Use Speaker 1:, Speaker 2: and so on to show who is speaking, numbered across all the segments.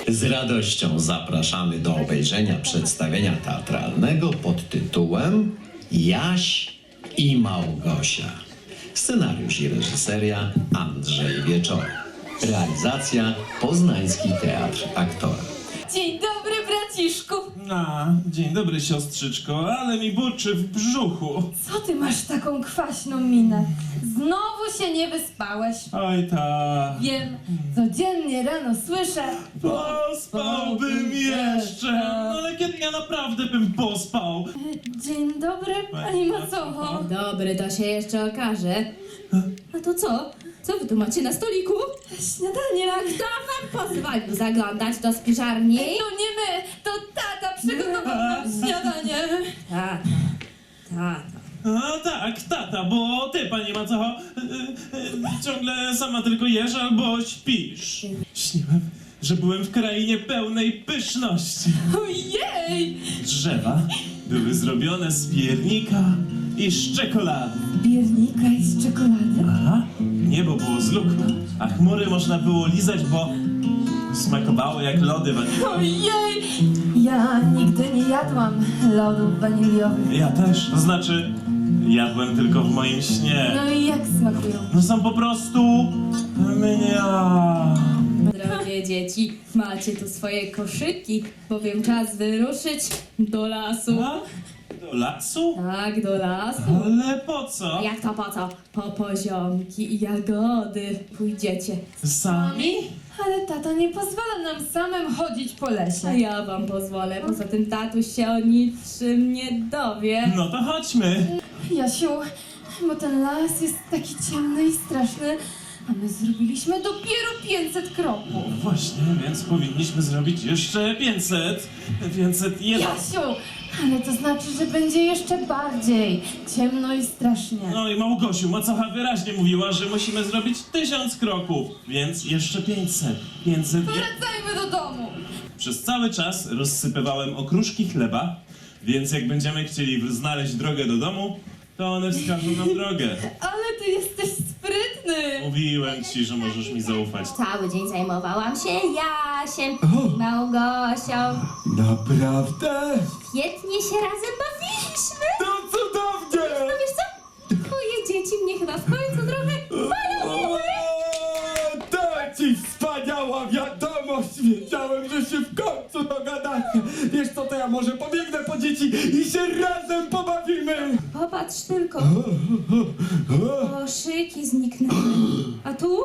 Speaker 1: Z radością zapraszamy do obejrzenia przedstawienia teatralnego pod tytułem Jaś i Małgosia. Scenariusz i reżyseria Andrzej Wieczorek. Realizacja Poznański Teatr Aktora.
Speaker 2: Dzień dobry, braciszku!
Speaker 3: Dzień dobry, siostrzyczko, ale mi burczy w brzuchu.
Speaker 2: Co ty masz taką kwaśną minę? Znowu się nie wyspałeś.
Speaker 3: Oj ta.
Speaker 2: Wiem, codziennie rano słyszę.
Speaker 3: Pospałbym jeszcze. No ale kiedy ja naprawdę bym pospał?
Speaker 2: Dzień dobry, pani Macocho.
Speaker 4: Dobry, to się jeszcze okaże. A to co? Co wy tu macie na stoliku?
Speaker 2: Śniadanie,
Speaker 4: A kto wam pozwolił zaglądać do spiżarni?
Speaker 2: No nie my, to tata przygotował nam śniadanie.
Speaker 4: Tata.
Speaker 3: A tak, tata, bo ty, pani Macocho, ciągle sama tylko jesz albo śpisz. Śniłem, że byłem w krainie pełnej pyszności.
Speaker 2: Ojej!
Speaker 3: Drzewa były zrobione z piernika i z czekolady.
Speaker 2: Biernika i z czekolady?
Speaker 3: Aha, niebo było z luku, a chmury można było lizać, bo smakowały jak lody waniliowe.
Speaker 2: Ojej! Ja nigdy nie jadłam lodów waniliowych.
Speaker 3: Ja też, to znaczy jadłem tylko w moim śnie.
Speaker 2: No i jak smakują?
Speaker 3: No są po prostu mnia.
Speaker 4: Drogie dzieci, macie tu swoje koszyki, bowiem czas wyruszyć do lasu.
Speaker 3: A? Do lasu?
Speaker 4: Tak, do lasu.
Speaker 3: Ale po co?
Speaker 4: Jak to po co? Po poziomki i jagody pójdziecie.
Speaker 3: Sami?
Speaker 2: Ale tata nie pozwala nam samym chodzić po
Speaker 4: A
Speaker 2: lesie.
Speaker 4: ja wam pozwolę, poza tym tatuś się o niczym nie dowie.
Speaker 3: No to chodźmy.
Speaker 2: Jasiu, bo ten las jest taki ciemny i straszny, a my zrobiliśmy dopiero 500 kroków.
Speaker 3: Właśnie, więc powinniśmy zrobić jeszcze 500. 501.
Speaker 2: Jasiu, ale to znaczy, że będzie jeszcze bardziej ciemno i strasznie.
Speaker 3: No i Małgosiu, Macocha wyraźnie mówiła, że musimy zrobić 1000 kroków, więc jeszcze 500. 500.
Speaker 2: Wracajmy do domu.
Speaker 3: Przez cały czas rozsypywałem okruszki chleba, więc jak będziemy chcieli znaleźć drogę do domu, to one wskażą nam drogę.
Speaker 2: Ale ty jesteś sprytny.
Speaker 3: Mówiłem ci, że możesz mi zaufać.
Speaker 4: Cały dzień zajmowałam się Jasiem i Małgosią.
Speaker 5: Naprawdę?
Speaker 4: Świetnie się razem bawiliśmy.
Speaker 5: To cudownie!
Speaker 4: No wiesz co? Twoje dzieci mnie chyba w końcu trochę polubiły.
Speaker 5: To ci wspaniała wiadomość! Wiedziałem, że się w końcu dogadacie! Wiesz co, to ja może pobiegnę po dzieci i się razem pobawimy!
Speaker 4: Popatrz tylko. Koszyki zniknęły. A tu?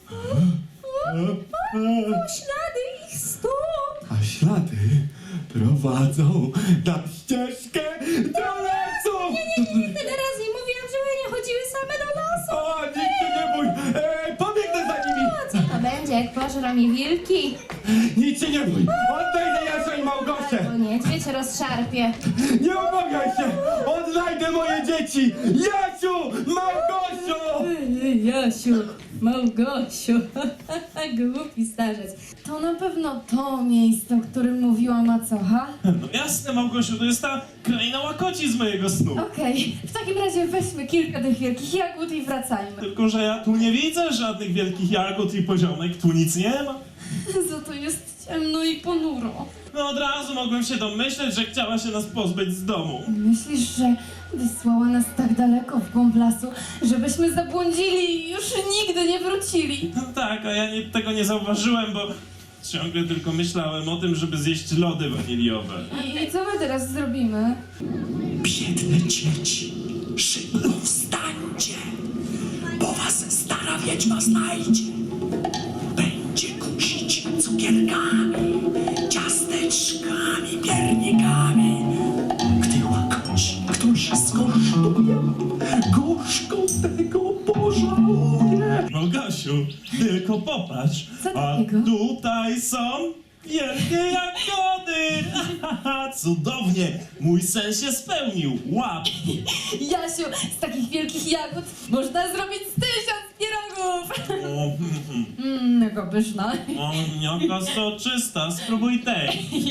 Speaker 4: Ślady ich stóp.
Speaker 5: A ślady prowadzą na ścieżkę do lasu!
Speaker 4: Tyle razy mówiłam, żeby nie chodziły same do lasu.
Speaker 5: O, nic się nie bój! Pobiegnę za nimi!
Speaker 4: Co to będzie, jak pożrą mi wilki?
Speaker 5: Nic się nie bój! Odnajdę Jasia i Małgosię!
Speaker 4: Albo niedźwiedź rozszarpie.
Speaker 5: Nie obawiaj się! Odnajdę moje dzieci! Jasiu! Małgosiu!
Speaker 4: Jasiu, Małgosiu, głupi starzec.
Speaker 2: To na pewno to miejsce, o którym mówiła Macocha.
Speaker 3: No jasne, Małgosiu, to jest ta kraina łakoci z mojego snu.
Speaker 2: Okej, w takim razie weźmy kilka tych wielkich jagód i wracajmy.
Speaker 3: Tylko że ja tu nie widzę żadnych wielkich jagód i poziomek, tu nic nie ma.
Speaker 2: Za to jest ciemno i ponuro.
Speaker 3: No od razu mogłem się domyśleć, że chciała się nas pozbyć z domu.
Speaker 2: Myślisz, że wysłała nas tak daleko w głąb lasu, żebyśmy zabłądzili i już nigdy nie wrócili?
Speaker 3: No tak, a ja tego nie zauważyłem, bo ciągle tylko myślałem o tym, żeby zjeść lody waniliowe.
Speaker 2: I co my teraz zrobimy?
Speaker 1: Biedne dzieci, szybko wstańcie, bo was stara wiedźma znajdzie. Będzie kusić cukierkami, ciasteczkami, piernikami. Gdy łakoci ktoś skosztuje, gorzko tego pożałuje.
Speaker 3: Małgosiu, tylko popatrz,
Speaker 2: Co
Speaker 3: a
Speaker 2: takiego?
Speaker 3: tutaj są wielkie jagody! Cudownie, mój sen się spełnił, łap!
Speaker 2: Jasiu, z takich wielkich jagód można zrobić 1000 pierogów!
Speaker 3: O,
Speaker 2: Jaka pyszna.
Speaker 3: jaka soczysta, spróbuj tej.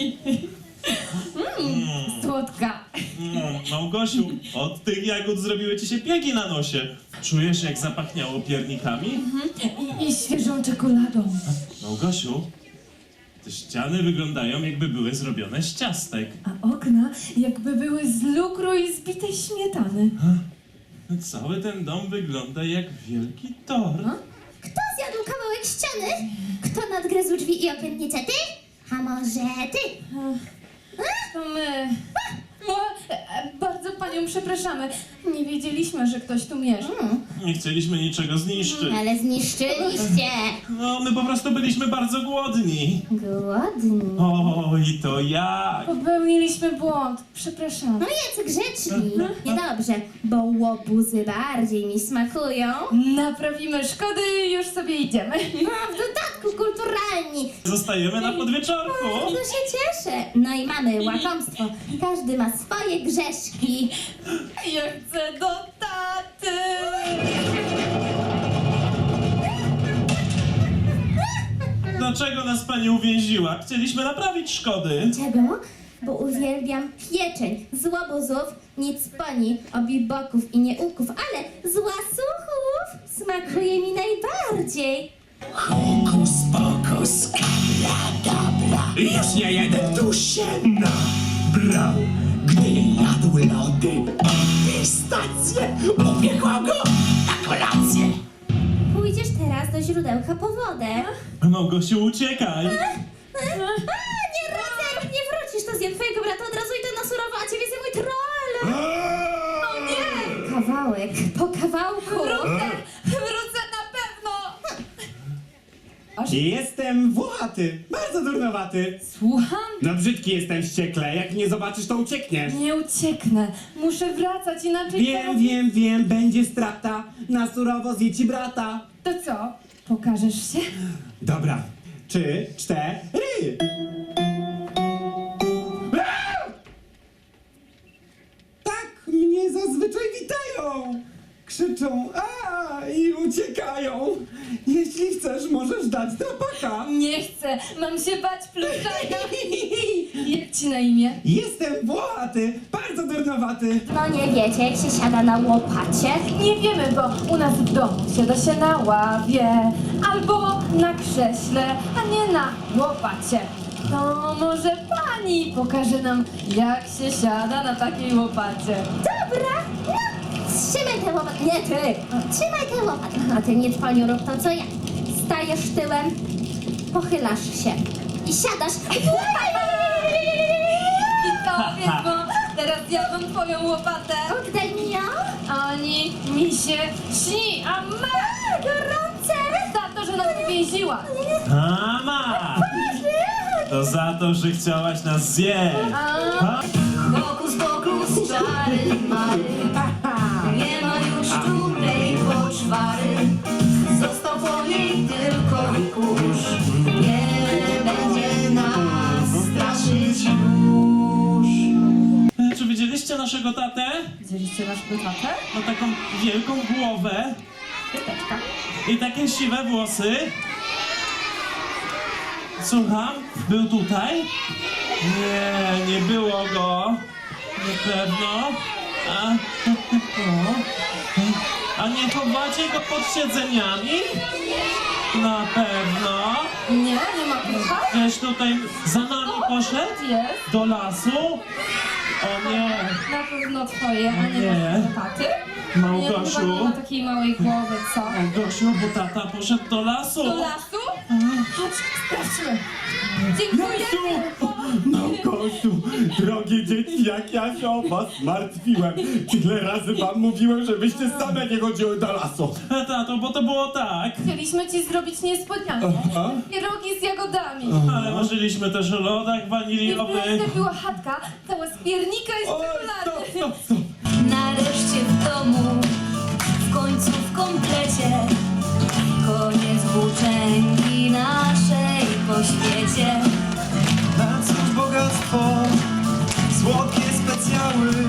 Speaker 2: Słodka.
Speaker 3: Małgosiu, od tych jagód zrobiły ci się piegi na nosie. Czujesz, jak zapachniało piernikami?
Speaker 2: I świeżą czekoladą.
Speaker 3: Małgosiu, Te ściany wyglądają, jakby były zrobione z ciastek.
Speaker 2: A okna jakby były z lukru i zbitej śmietany.
Speaker 3: Cały ten dom wygląda jak wielki tort.
Speaker 6: Kto zjadł kawałek ściany? Kto nadgryzł drzwi i okiennice? Ty? A może ty?
Speaker 2: To my. Bardzo panią przepraszamy. Nie wiedzieliśmy, że ktoś tu mieszka.
Speaker 3: Nie chcieliśmy niczego zniszczyć.
Speaker 6: Ale zniszczyliście.
Speaker 3: No, my po prostu byliśmy bardzo głodni.
Speaker 6: Głodni.
Speaker 3: O, i to jak?
Speaker 2: Popełniliśmy błąd. Przepraszamy.
Speaker 6: No jacy grzeczni. Niedobrze, bo łobuzy bardziej mi smakują.
Speaker 2: Naprawimy szkody i już sobie idziemy.
Speaker 6: A w dodatku kulturalni.
Speaker 3: Zostajemy na podwieczorku.
Speaker 6: To się cieszę. No i mamy łakomstwo. Każdy ma swoje grzeszki.
Speaker 2: Ja chcę do taty.
Speaker 3: Dlaczego nas pani uwięziła? Chcieliśmy naprawić szkody.
Speaker 6: Czego? Bo uwielbiam pieczeń z łobuzów, nic poni, obiboków i nieuków, ale z łasuchów smakuje mi najbardziej.
Speaker 1: Hokus pokus, kabla. Już nie jeden tu się nabrał, gdy jadł lody i pistacje. Upiekła go na kolację.
Speaker 6: Pójdziesz teraz do źródełka po wodę.
Speaker 3: Małgosiu, uciekaj.
Speaker 6: Nie radzę, jak nie wrócisz, to zjem twojego brata od razu idę na surowo, a ciebie zjem mój troll. O nie! Kawałek po kawałku.
Speaker 2: Wrócę na pewno.
Speaker 5: Jestem włochaty, bardzo durnowaty.
Speaker 2: Słucham?
Speaker 5: No brzydki jestem wściekle, jak nie zobaczysz, to uciekniesz.
Speaker 2: Nie ucieknę. Muszę wracać, inaczej...
Speaker 5: Wiem, będzie strata. Na surowo zje ci brata.
Speaker 2: To co? Pokażesz się?
Speaker 5: Dobra, 3, 4. Tak mnie zazwyczaj witają. Krzyczą i uciekają. Jeśli chcesz, możesz dać drapaka.
Speaker 2: Nie chcę. Mam się bać pluszaka. Jak ci na imię?
Speaker 5: Jestem włochaty, bardzo durnowaty.
Speaker 6: No nie wiecie, jak się siada na łopacie?
Speaker 2: Nie wiemy, bo u nas w domu siada się na ławie albo na krześle, a nie na łopacie. To może pani pokaże nam, jak się siada na takiej łopacie.
Speaker 6: Dobra, no, trzymaj tę łopatę. Nie ty, trzymaj tę łopatę. A ty nie paniu rób to co ja. Stajesz tyłem, pochylasz się i siadasz.
Speaker 2: I to wiesz, bo teraz ja mam twoją łopatę.
Speaker 6: Oddaj mi ją.
Speaker 2: Oni mi się śni, a ma
Speaker 6: Gorące.
Speaker 2: za to, że nas uwięziła.
Speaker 3: Mama! To za to, że chciałaś nas zjeść. Ha?
Speaker 4: Hokus pokus, czary mary. Nie ma już tutaj poczwary. Został po niej tylko kurz. Nie będzie nas straszyć już.
Speaker 3: Czy widzieliście naszego tatę?
Speaker 2: Widzieliście naszą tatę?
Speaker 3: Ma taką wielką głowę i takie siwe włosy. Słucham? Był tutaj? Nie było go. Na pewno. A nie chowacie go pod siedzeniami? Na pewno.
Speaker 2: Nie ma plucha?
Speaker 3: Gdzieś tutaj za nami poszedł?
Speaker 2: Jest.
Speaker 3: Do lasu? O nie.
Speaker 2: Na pewno twoje, a nie
Speaker 3: Nie.
Speaker 2: naszego taty.
Speaker 3: Małgosiu.
Speaker 2: Nie ma takiej małej głowy, co?
Speaker 3: Gosiu, bo tata poszedł do lasu.
Speaker 2: Do lasu? Chodź, sprawdźmy. Dziękujemy.
Speaker 5: Małgosiu, drogie dzieci, jak ja się o was martwiłem. Tyle razy wam mówiłem, żebyście same nie chodziły do lasu.
Speaker 3: Tato, bo to było tak.
Speaker 2: Chcieliśmy ci zrobić niespodziankę.
Speaker 5: Aha.
Speaker 2: Pierogi z jagodami.
Speaker 3: Ale marzyliśmy też o lodach
Speaker 2: I
Speaker 3: waniliowych.
Speaker 2: wreszcie była chatka, cała z piernika i z
Speaker 5: Oj,
Speaker 2: czekolady.
Speaker 5: stop.
Speaker 4: Nareszcie w domu, w końcu w komplecie. Koniec włóczęgi naszej po świecie.
Speaker 7: Na cóż bogactwo, słodkie specjały,